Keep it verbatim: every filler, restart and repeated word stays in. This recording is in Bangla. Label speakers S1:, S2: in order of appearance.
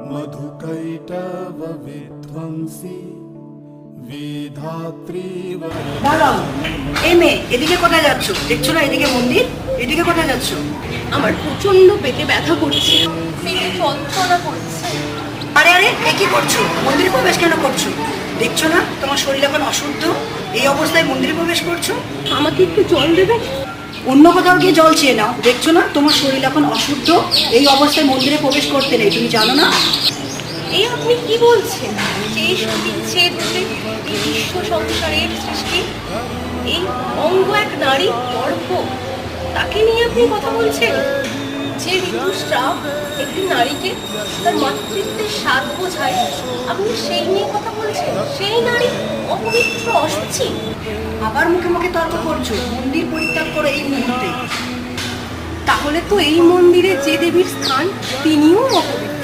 S1: मधुकैटव विध्वंसी विधात्री
S2: দাঁড়াও, এই মেয়ে এদিকে কোথায় যাচ্ছ? দেখছো না এদিকে মন্দির, এদিকে কোথায় যাচ্ছ?
S3: আমার প্রচন্ড পেটে ব্যথা করছে, পেটে যন্ত্রণা করছে।
S2: আরে আরে এ কি করছো? মন্দিরে প্রবেশ কেন করছো? দেখছো না তোমার শরীর এখন অশুদ্ধ, এই অবস্থায় মন্দিরে প্রবেশ করছো?
S3: আমাকে একটু জল দেবে?
S2: অন্য কোথাও গিয়ে জল চেয়ে নাও। দেখছো না তোমার শরীর এখন অশুদ্ধ, এই অবস্থায় মন্দিরে প্রবেশ করতে নেই, তুমি জানো না?
S3: এই আপনি কি বলছেন? যে সতীর চেয়ে দূরে এই বিশ্ব সংসারের সৃষ্টি, এই অঙ্গ এক নারী গর্ভ, তাকে নিয়ে আপনি কথা বলছেন? যে ঋতুস্রাব একটি নারীকে তার মাতৃত্বের স্বাদ বোঝায়, আপনি সেই নিয়ে কথা বলছেন? সেই নারী অপবিত্র, অশুচি।
S2: আবার মুখে মুখে তর্ক করছো? মন্দির পরিত্যাগ করে এই মুহূর্তে।
S3: তাহলে তো এই মন্দিরে যে দেবীর স্থান, তিনিও অপবিত্র।